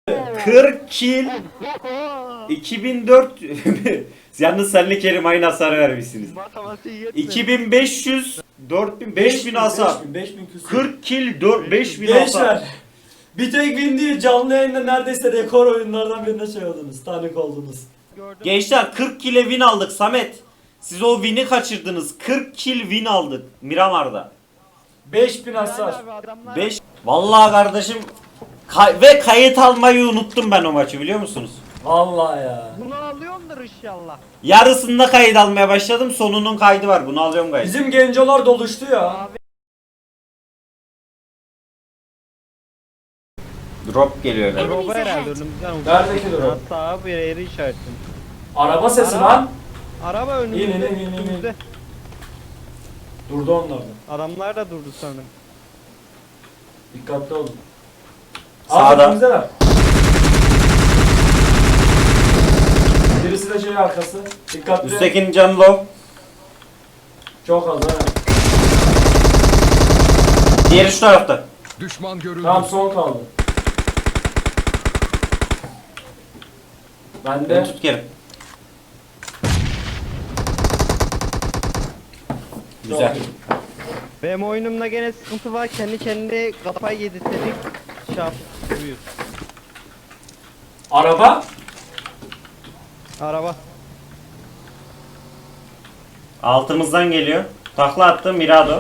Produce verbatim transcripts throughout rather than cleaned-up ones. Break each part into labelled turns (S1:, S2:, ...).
S1: kırk kill. iki bin dört yalnız senle Kerim aynı hasar vermişsiniz. iki bin beş yüz dört bin beş bin hasar. kırk kill beş bin hasar.
S2: Bir tek win değil, canlı yayında neredeyse rekor oyunlardan birine şey oldunuz, tanık oldunuz.
S1: Gençler kırk kill'e win aldık Samet. Siz o win'i kaçırdınız. kırk kill win aldık Miramar'da.
S2: beş bin hasar.
S1: beş Vallahi kardeşim kay ve kayıt almayı unuttum ben o maçı biliyor musunuz?
S2: Vallahi ya.
S3: Bunu alıyordur inşallah.
S1: Yarısında kayıt almaya başladım. Sonunun kaydı var. Bunu alıyorum kayıt.
S2: Bizim gencolar doluştu ya.
S1: Drop geliyor galiba.
S3: Araba herhalde önümüzden uçtu.
S2: Neredeki drop?
S3: Hatta bir yeri işaretim.
S2: Araba sesi
S3: Araba.
S2: lan.
S3: Araba önümüzde.
S2: İn, in, in, in, in.
S3: önümüzde.
S2: Durdu onlar da.
S3: Adamlar da durdu sanırım.
S2: Dikkatli olun.
S1: Sağda.
S2: Önümüzdeler. Birisi de şey arkası. Dikkatli.
S1: Üsttekinin canı low.
S2: Çok az ha.
S1: Diğeri şu tarafta.
S4: Düşman görüldü.
S2: Tamam, son kaldı. Ben
S1: Ben
S2: de.
S1: tut Kerim. Güzel.
S2: Çok iyi.
S3: Benim oyunumda gene sıkıntı var. Kendi kendine kafayı yedirtecek. Şap. Buyur.
S2: Araba.
S3: Araba.
S1: Altımızdan geliyor. Takla attı Mirado.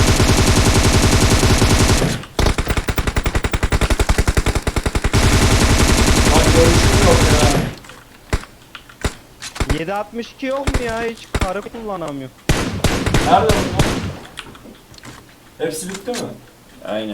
S2: Bak görüşüm yok ya.
S3: yedi altmış iki yok mu ya? Hiç karı kullanamıyor.
S2: Nerede bunlar? Hepsi bitti mi?
S1: Aynen.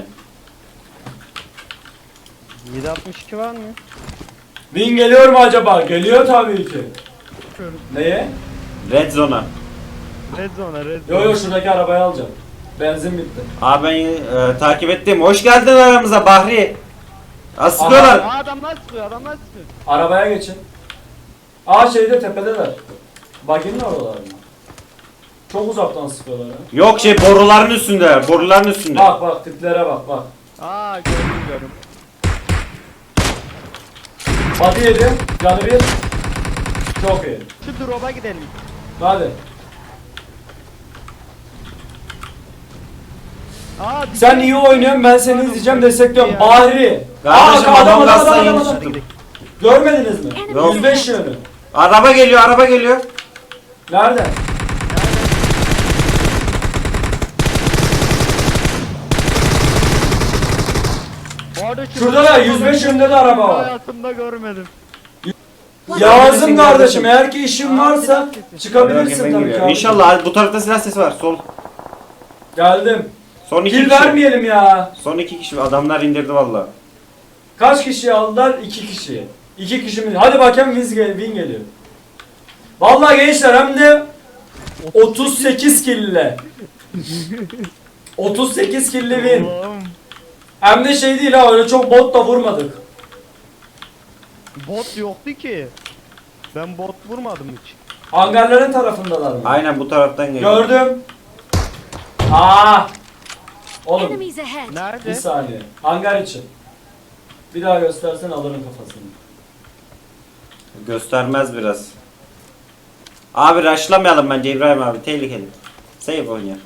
S3: yedi altmış iki var mı?
S2: Win geliyor mu acaba? Geliyor tabii ki. Neye?
S1: Red Zone'a.
S3: Red zone, red zone.
S2: Yo yo, şuradaki arabayı alacağım. Benzin bitti.
S1: Abi ben e, takip ettim. Hoş geldin aramıza Bahri. Asılıyorlar.
S3: Aa, adamlar sıkıyor, adamlar sıkıyor.
S2: Arabaya geçin. Aa, şeyde tepedeler. Baginin oralar mı? Çok uzaktan sıkıyorlar ha.
S1: Yok şey boruların üstünde. Boruların üstünde.
S2: Bak bak, tiplere bak bak.
S3: Aa, gördüm gördüm.
S2: Body yedi. Canı bir. Çok iyi.
S3: Şu drop'a gidelim.
S2: Hadi.
S3: Aa,
S2: Sen iyi oynuyorsun, ben seni izleyeceğim, destekliyorum.
S3: Ya.
S2: Bahri.
S1: Kardeşim,
S2: Aa,
S1: adam gazdan
S2: adam,
S1: yeni
S2: adam.
S1: çıktım.
S2: Görmediniz mi?
S1: Yok.
S2: yüz beş yönü.
S1: Araba geliyor, araba geliyor.
S2: Nerede?
S3: Bu arada şu-
S2: Şurada da yüz beş yönünde de araba var.
S3: Hayatımda görmedim.
S2: Yağız'ım kardeşim, eğer ki işin varsa çıkabilirsin tabii ki abi.
S1: İnşallah bu tarafta silah sesi var. Sol.
S2: Geldim.
S1: Son iki
S2: Kill
S1: kişi.
S2: vermeyelim ya.
S1: Son iki kişi. Adamlar indirdi valla.
S2: Kaç kişi aldılar? İki kişi. İki kişi mi? Hadi bakayım, win gel- win geliyor. Vallahi gençler, hem de otuz sekiz kill ile. otuz sekiz kill ile win.
S3: Oğlum,
S2: Hem de şey değil ha, öyle çok bot da vurmadık.
S3: bot yoktu ki. Ben bot vurmadım hiç.
S2: Hangarların tarafındalar mı?
S1: Aynen bu taraftan geliyor.
S2: Gördüm. Aa! Oğlum,
S5: Enemies ahead.
S2: bir
S3: Nerede?
S2: saniye. Hangar için. Bir daha göstersen alırım kafasını.
S1: Göstermez biraz. Abi rushlamayalım bence İbrahim abi. Tehlikeli. Save oynuyor.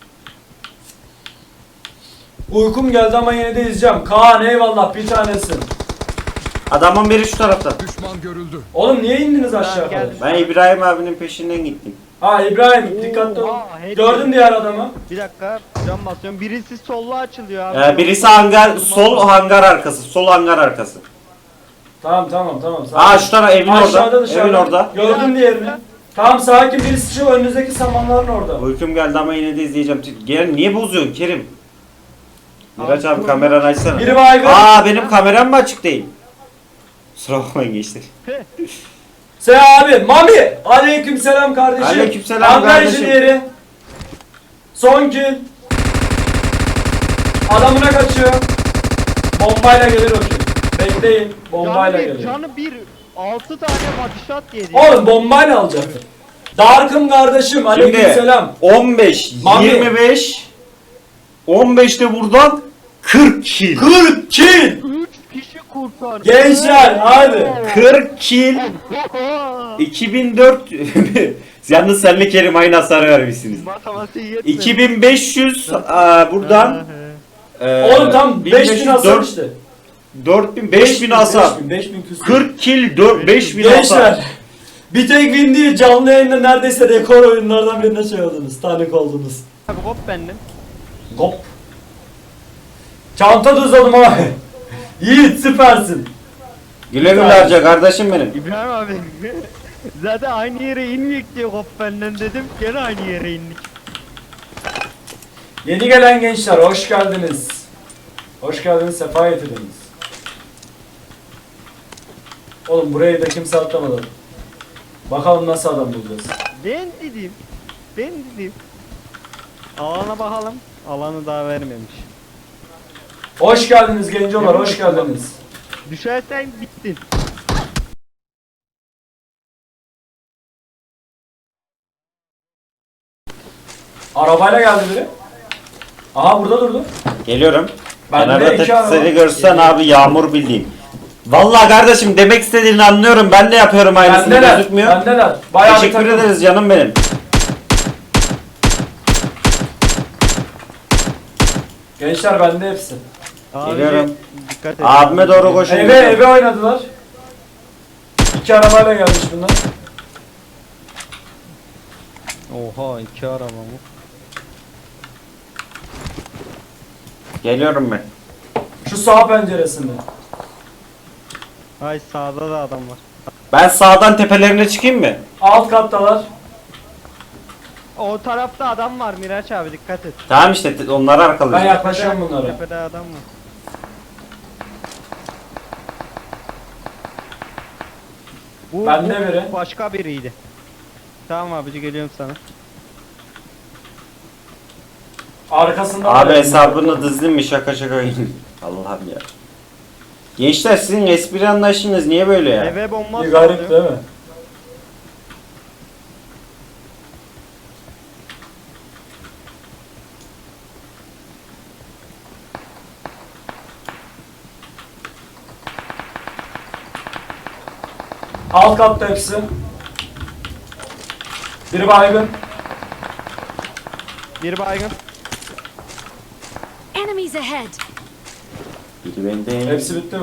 S2: Uykum geldi ama yine de izleyeceğim. Kaan eyvallah, bir tanesin.
S1: Adamın biri şu tarafta.
S4: Düşman görüldü.
S2: Oğlum niye indiniz aşağı
S3: Gel.
S2: kadar?
S1: Ben İbrahim abinin peşinden gittim.
S2: Ha İbrahim, dikkatli ol.
S3: Oha, hedi-
S2: Gördün diğer adamı.
S3: Bir dakika, cam basıyorum. Birisi sollu açılıyor abi.
S1: Ee, birisi hangar, sol hangar arkası. Sol hangar arkası.
S2: Tamam tamam tamam. Sakin.
S1: Aa şu taraf evin
S2: Aşağıda,
S1: orada.
S2: dışarıda.
S1: Evin orada.
S2: Gördün diğerini. Tamam, sakin, birisi şu önünüzdeki samanların orada.
S1: Uykum geldi ama yine de izleyeceğim. Gel niye bozuyorsun Kerim? Miraç
S3: Abi,
S1: abi
S3: dur.
S1: kameranı açsana.
S2: Biri baygın.
S1: Aa benim kameram mı açık değil? Kusura bakmayın gençler.
S2: Sen abi, Mami. Aleykümselam kardeşim.
S1: Aleykümselam
S2: Hangar
S1: kardeşim.
S2: işi diğeri. Son kill. Adamına kaçıyor. Bombayla gelir o kill. Bekleyin. Bombayla
S3: Canı bir,
S2: gelir.
S3: canı bir. Altı tane bodyshot yedi.
S2: Oğlum bombayla alacaktın. Dark'ım kardeşim. Aleykümselam.
S1: on beş,
S2: Mami.
S1: yirmi beş, on beşte buradan kırk kill.
S2: kırk kill.
S3: üç kişi kurtar.
S2: Gençler hadi.
S1: kırk kill. iki bin dört Yalnız senle Kerim aynı hasarı vermişsiniz.
S3: Matematiği yetmedi.
S1: iki bin beş yüz aa, buradan e,
S2: Oğlum tam beş bin hasar
S1: dört-
S2: işte.
S1: dört bin beş bin hasar.
S2: beş bin, beş bin küsur.
S1: kırk kill dört beş bin hasar.
S2: Gençler. Bir tek win değil, canlı yayında neredeyse rekor oyunlardan birine şey oldunuz. Tanık oldunuz.
S3: Abi hop bendim.
S2: Hop. Çanta düzledim abi. Yiğit süpersin.
S1: Güle güle harca kardeşim benim.
S3: İbrahim abi. Zaten aynı yere inmeyek diye hop benden dedim. Gene aynı yere indik.
S2: Yeni gelen gençler hoş geldiniz. Hoş geldiniz, sefa getirdiniz. Oğlum burayı da kimse atlamadı. Bakalım nasıl adam bulacağız.
S3: Ben dedim. Ben dedim. Alana bakalım. Alanı daha vermemiş.
S2: Hoş geldiniz gencolar, hoş geldiniz.
S3: Düşersen bittin.
S2: Arabayla geldi biri. Aha burada durdu.
S1: Geliyorum.
S2: Bende
S1: Kenarda
S2: iki
S1: tek
S2: araba.
S1: seni görsen abi yağmur bildiğin. Vallahi kardeşim demek istediğini anlıyorum. Ben de yapıyorum aynısını,
S2: Bendeler,
S1: gözükmüyor.
S2: bendeler. Bayağı bir
S1: Teşekkür
S2: takım.
S1: ederiz canım benim.
S2: Gençler bende hepsi.
S3: Abi,
S1: Geliyorum.
S3: Dikkat et.
S1: Abime doğru koşun.
S2: Eve eve oynadılar. İki arabayla gelmiş bunlar.
S3: Oha iki araba mı?
S1: Geliyorum ben.
S2: Şu sağ penceresinde.
S3: Ay sağda da adam var.
S1: Ben sağdan tepelerine çıkayım mı?
S2: Alt kattalar.
S3: O tarafta adam var Miraç abi dikkat et.
S1: Tamam işte te- onları
S2: Ben
S1: arkalayacağım.
S2: yaklaşıyorum bunlara.
S3: Tepede adam var. Bu,
S2: Bende
S3: bu
S2: biri.
S3: başka biriydi. Tamam abici geliyorum sana.
S2: Arkasında
S1: Abi
S2: var.
S1: hesabını dizdim mi şaka şaka. Allah'ım ya. Gençler sizin espri anlayışınız niye böyle ya?
S3: Eve bomba
S2: Bir garip
S3: sallıyor.
S2: değil mi? Alt katta hepsi. Biri baygın.
S3: Bir baygın.
S4: Enemies ahead.
S1: Biri bende.
S2: Hepsi bitti mi?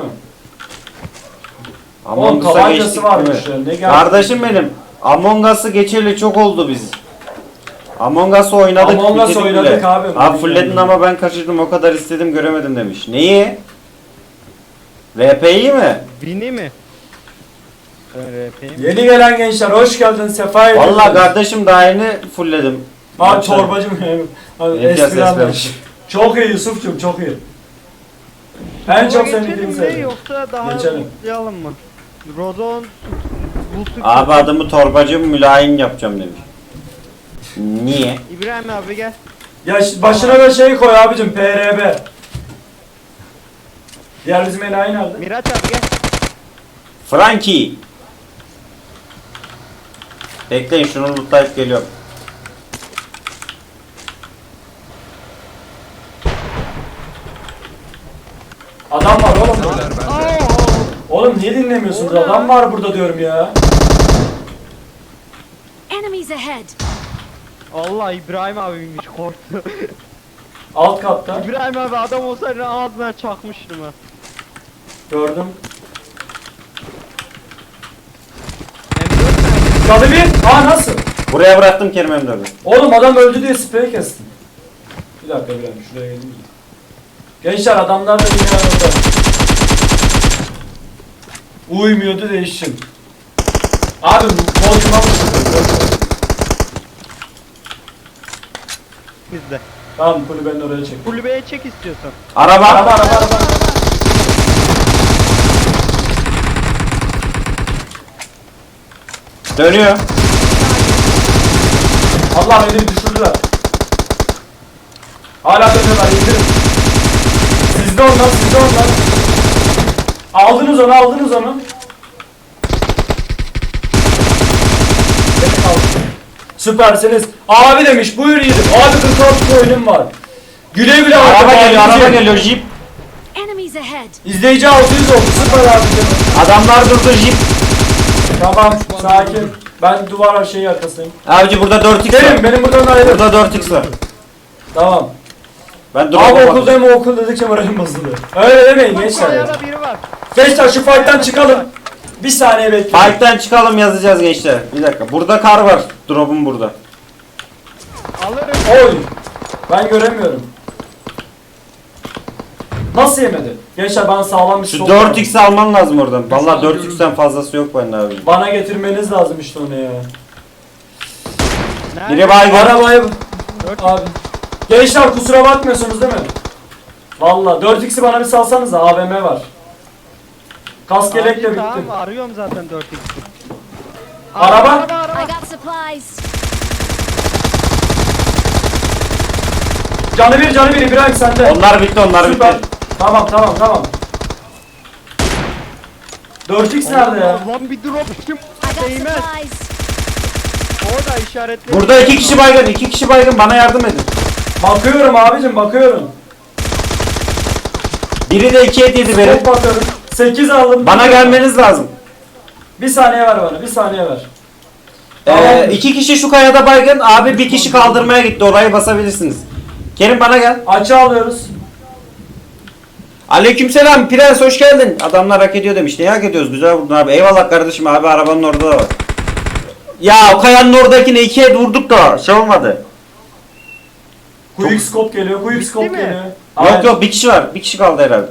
S1: Among
S2: Oğlum,
S1: Us'a
S2: tabancası
S1: geçtik
S2: varmış
S1: değil mi?
S2: ya, ne geldi?
S1: Kardeşim benim. Among Us'ı geçeli çok oldu biz. Among Us'ı oynadık.
S2: Among Us
S1: bitirdik
S2: oynadık
S1: bile.
S2: abi.
S1: Abi fulledin ama ben kaçırdım o kadar istedim göremedim demiş. Neyi? R P'yi mi?
S3: Bini mi? Ben R P'yim.
S2: Yeni gelen gençler hoş geldin, sefa edin.
S1: Vallahi kardeşim daha yeni fullledim.
S2: Abi çorbacım yani. Abi
S1: Yapacağız,
S2: espri
S1: espri.
S2: anlayışı. Çok iyi Yusuf'cum, çok iyi. En çok sevdiğim
S3: Geçelim mi
S2: şey.
S3: yoksa daha
S2: Geçelim.
S3: uzayalım mı? Rodon bu sık-
S1: Abi adımı torbacı mülayim yapacağım demiş. Niye?
S3: İbrahim abi gel.
S2: Ya ş- başına da şey koy abicim, P R B. Diğer bizim enayi nerede?
S3: Miraç abi gel.
S1: Frankie. Bekleyin şunu lootlayıp geliyorum.
S2: Adam var oğlum burada. Oğlum niye dinlemiyorsunuz?
S3: Orada.
S2: Adam var burada diyorum ya.
S4: Enemies ahead.
S3: Allah İbrahim abiymiş korktu.
S2: Alt katta.
S3: İbrahim abi adam olsaydı ağzına çakmıştım ha.
S2: Gördüm.
S3: M dört nerede?
S2: Kadı bir. Aa nasıl?
S1: Buraya bıraktım Kerim M dördü.
S2: Oğlum adam öldü diye sprey kestim. Bir dakika bir dakika şuraya geleyim. Gençler adamlar da yine orada. Uymuyordu değişim. Abi koltuğuma mı çıkıyor?
S3: Bizde.
S2: Tamam kulübenin oraya çek.
S3: Kulübeye çek istiyorsan.
S1: Araba.
S2: Araba araba araba.
S1: Dönüyor.
S2: Allah beni düşürdüler. Hala dönüyorlar, indirin. Sizde onlar, sizde onlar. Aldınız onu, aldınız onu. Beni aldın. Süpersiniz. Abi demiş, buyur yiğidim. Abi kırk altı oyunum var. Güle güle
S1: Araba
S2: bakalım
S1: geliyor,
S2: abicim.
S1: araba geliyor, jeep.
S4: Enemies Enemies ahead.
S2: İzleyici altı yüz oldu. Süper abicim.
S1: Adamlar durdu jip.
S2: Tamam sakin. Ben duvar şeyi arkasındayım.
S1: Abici burada dört x var.
S2: Gelin benim buradan ayrı.
S1: Burada dört x var.
S2: Tamam.
S1: Ben
S2: Abi
S1: drop'a
S2: okuldayım o okul dedikçe moralim bozuluyor. Öyle demeyin gençler ya.
S3: Kayada biri var.
S2: Gençler şu fight'tan çıkalım. Bir saniye bekleyin.
S1: Fight'ten çıkalım yazacağız gençler. Bir dakika. Burada kar var. Drop'um burada.
S3: Alırım.
S2: Oy. Ben göremiyorum. Nasıl yemedi? Gençler bana sağlam bir
S1: Şu
S2: sol
S1: dört
S2: lazım.
S1: x'i alman lazım oradan. Vallahi dört x'ten fazlası yok bende abi.
S2: Bana getirmeniz lazım işte onu ya.
S3: Nerede?
S1: Biri baygın.
S2: Arabayı
S3: Dört-
S2: abi. Gençler kusura bakmıyorsunuz değil mi? Vallahi dört x'i bana bir salsanız da A V M var. Kask yelek de
S3: Abi,
S2: bitti.
S3: Tamam arıyorum zaten dört x'i.
S2: Araba?
S3: Araba araba.
S4: I got supplies.
S2: Canı bir canı bir İbrahim sende.
S1: Onlar bitti onlar
S2: Süper.
S1: bitti.
S2: Tamam tamam tamam. dört x nerede ya?
S3: Lan bir drop kim?
S4: I got
S3: Değmez.
S4: supplies.
S3: Orada işaretli.
S1: Burada iki kişi baygın. iki kişi baygın. Bana yardım edin.
S2: Bakıyorum abicim bakıyorum.
S1: Biri de iki et yedi benim.
S2: Çok bakıyorum. sekiz aldım.
S1: Bana gelmeniz lazım.
S2: Bir saniye ver bana bir saniye ver.
S1: Ee, iki kişi şu kayada baygın. Abi bir kişi kaldırmaya gitti. Orayı basabilirsiniz. Kerim bana gel.
S2: Açı alıyoruz.
S1: Aleykümselam Prens hoş geldin. Adamlar hak ediyor demiş. Ne hak ediyoruz? Güzel vurdun abi. Eyvallah kardeşim abi arabanın orada da var. Ya o kayanın oradakine iki et vurduk da şey olmadı.
S2: Quick scope geliyor. Quick scope
S3: mi?
S2: geliyor.
S1: Yok
S2: Aynen.
S1: yok bir kişi var. Bir kişi kaldı herhalde.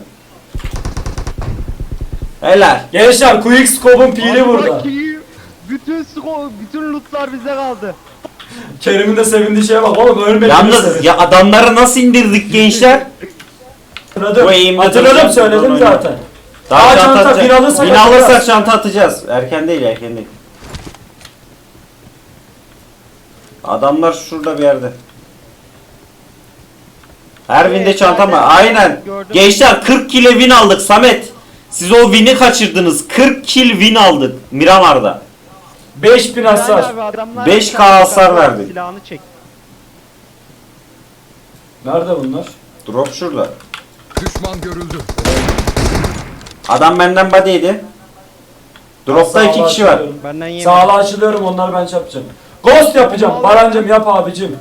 S1: Helal.
S2: Gençler Quick scope'un pili burada.
S3: Baki, bütün sko, bütün lootlar bize kaldı.
S2: Kerim'in de sevindiği şeye bak oğlum ölmedi.
S1: Yalnız ya adamları nasıl indirdik gençler?
S2: Hatırladım.
S1: Bu eğimde
S2: Hatırladım
S1: duracağım,
S2: söyledim
S1: buradan
S2: zaten.
S1: Daha
S2: Aa,
S1: çanta
S2: çanta,
S1: atacağız.
S2: bin alırsak
S1: Bin alırsak
S2: atacağız.
S1: çanta atacağız. Erken değil erken değil. Adamlar şurada bir yerde. Her
S3: Evet,
S1: binde çanta mı?
S3: zaten
S1: Aynen.
S3: gördüm.
S1: Gençler kırk kile win aldık Samet. Siz o win'i kaçırdınız. kırk kill win aldık Miramar'da.
S2: beş bin hasar.
S3: Yani abi adamlar
S1: beş
S3: bir
S1: K
S3: tane
S1: hasar
S3: silahını
S1: verdik.
S3: Silahını çek.
S2: Nerede bunlar?
S1: Drop şurada.
S5: Düşman görüldü.
S1: Adam benden body yedi. Drop'ta iki
S2: Sağla
S1: kişi var.
S2: açılıyorum.
S3: Benden yemedim.
S2: Sağla açılıyorum onları ben şey yapacağım. Ghost yapacağım.
S3: Allah.
S2: Barancım yap abicim.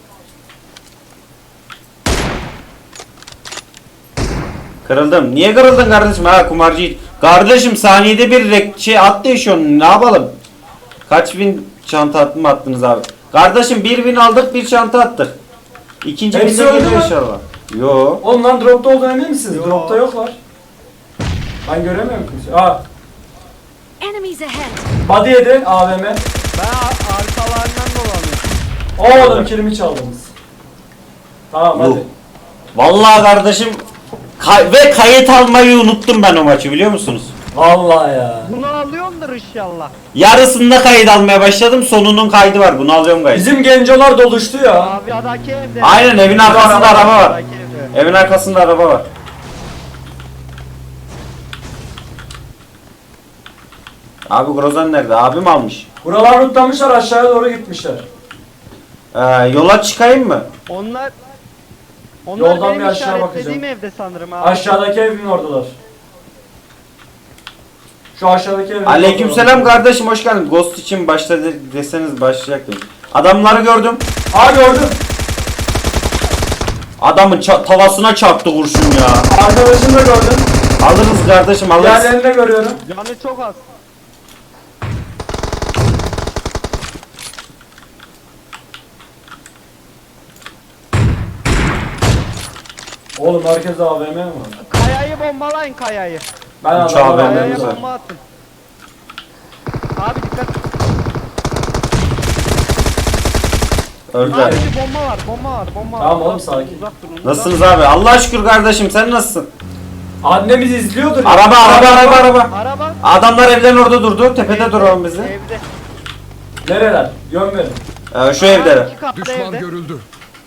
S1: Kırıldım. Niye kırıldın kardeşim? Ha kumarcı. Kardeşim saniyede bir rek şey at değişiyorsun. Ne yapalım? Kaç bin çanta attı mı attınız abi? Kardeşim bir bin aldık bir çanta attık. İkinci
S2: Hepsi
S1: binde
S2: öldü
S1: geliyor
S2: mü?
S1: inşallah. Yo.
S2: Oğlum lan dropta olduğunu emin misiniz?
S3: Yo.
S2: Dropta yoklar. Ben göremiyorum kimse. Aa,
S4: Enemies ahead.
S2: body yedi A V M.
S3: Ben ar- arkalarından dolanıyorum.
S2: Oğlum kilimi çaldınız. Tamam hadi.
S1: Yuh. Vallahi kardeşim kay- ve kayıt almayı unuttum ben o maçı biliyor musunuz?
S2: Vallahi ya.
S3: Bunu alıyordur inşallah.
S1: Yarısında kayıt almaya başladım. Sonunun kaydı var. Bunu alıyorum kayıt.
S2: Bizim gencolar doluştu ya.
S3: Abi adaki evde.
S1: Aynen evin arkasında araba var.
S3: Adaki evde.
S1: Evin arkasında araba var. Abi Grozan nerede? Abim almış.
S2: Buralar rutlamışlar aşağıya doğru gitmişler.
S1: Ee, yola çıkayım mı?
S3: Onlar onlar
S2: Yoldan
S3: benim
S2: bir aşağı
S3: işaretlediğim
S2: bakacağım.
S3: evde sanırım abi.
S2: Aşağıdaki evin oradalar. Şu aşağıdaki evin
S1: Aleykümselam kardeşim hoş geldin. Ghost için başla de- deseniz başlayacaktım. Adamları gördüm.
S2: Aa gördüm.
S1: Adamın ça- tavasına çarptı kurşun ya.
S2: Arkadaşını da gördüm.
S1: Alırız kardeşim alırız.
S2: Diğerlerini de görüyorum.
S3: Canı çok az.
S2: Oğlum herkeste A V M mi var?
S3: Kayayı bombalayın kayayı.
S2: Ben
S1: Uçağı
S2: adamlara
S1: ben de
S3: Kayaya
S2: A V M
S1: güzel.
S3: bomba atın. Abi dikkat.
S1: Öldüler.
S3: Abi bir bomba var, bomba var, bomba var.
S2: Tamam oğlum,
S3: Uzak durun,
S2: sakin.
S3: Uzak durun. uzak-
S1: Nasılsınız abi? Allah şükür kardeşim sen nasılsın?
S2: Annemiz izliyordur. ya.
S1: Araba araba araba araba.
S3: Araba.
S1: Adamlar evden orada durdu. Tepede duralım bizi.
S3: Evde.
S2: Nereler? Yön verin.
S1: Ee, şu evde.
S3: İki katlı
S5: Düşman
S3: evde.
S5: görüldü.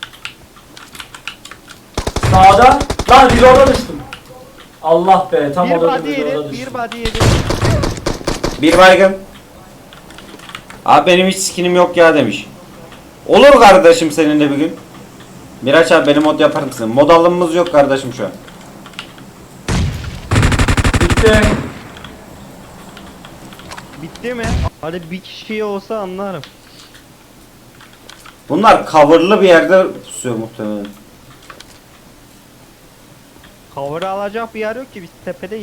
S2: Sağda. Lan biz orada düştüm. Allah be tam
S3: Bir
S2: orada
S3: body
S2: biz orada
S3: yedi,
S2: düştüm.
S3: bir body yedi.
S1: Bir baygın. Abi benim hiç skinim yok ya demiş. Olur kardeşim seninle bir gün. Miraç abi benim mod yapar mısın? Mod alımımız yok kardeşim şu an.
S2: bitti.
S3: Bitti mi? Hadi bir kişi olsa anlarım.
S1: Bunlar coverlı bir yerde pusuyor muhtemelen.
S3: Cover alacak bir yer yok ki, biz tepedeyiz.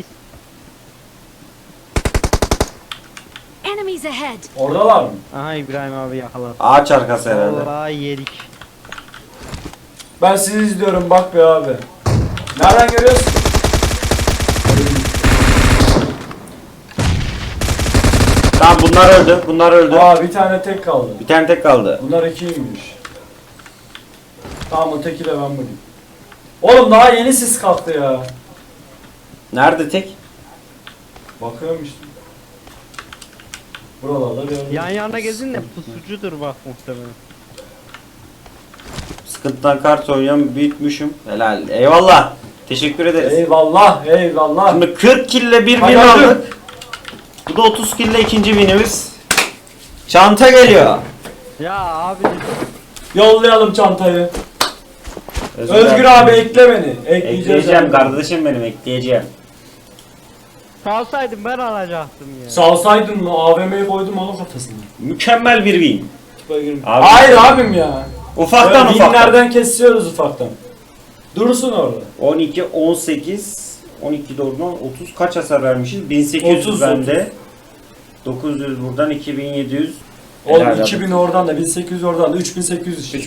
S4: Enemies ahead.
S2: Oradalar mı?
S3: Aha İbrahim abi yakaladı.
S1: Ağaç arkası herhalde.
S3: Vallahi yedik.
S2: Ben sizi izliyorum bak be abi. Nereden görüyorsun?
S1: Tamam bunlar öldü. Bunlar öldü.
S2: Aa bir tane tek kaldı.
S1: Bir tane tek kaldı.
S2: Bunlar ikiymiş. Tamam öteki de ben bulayım. Oğlum daha yeni sis kalktı ya.
S1: Nerede tek?
S2: Bakıyorum işte. Buralarda bir yerde.
S3: Yan yana gezin de pusucudur bak muhtemelen.
S1: Sıkıntıdan kart oynayan büyütmüşüm. Helal. Eyvallah. Teşekkür ederiz.
S2: Eyvallah eyvallah.
S1: Şimdi kırk kille bir win
S2: Hadi hadi.
S1: aldık. Bu da otuz kille ikinci winimiz. Çanta geliyor.
S3: Ya abi
S2: Yollayalım çantayı.
S1: Özgür,
S2: Özgür abi ekle beni. Ekleyeceğiz.
S1: Ekleyeceğim
S2: abi.
S1: kardeşim benim, ekleyeceğim.
S3: salsaydım ben alacaktım ya.
S2: Salsaydın mı? A V M'yi koydum onun kafasına.
S1: Mükemmel bir win. Abi-
S2: Hayır abim ya.
S1: Ufaktan
S2: Böyle
S1: ufaktan.
S2: winlerden kesiyoruz ufaktan. Dursun orada.
S1: on iki, on sekiz, on iki doğrudan otuz kaç hasar vermişiz? bin sekiz yüz
S2: otuz,
S1: bende. dokuz yüz buradan, iki bin yedi yüz.
S2: Oğlum
S1: Helal
S2: iki bin oradan da bin sekiz yüz oradan da üç bin sekiz yüz işte.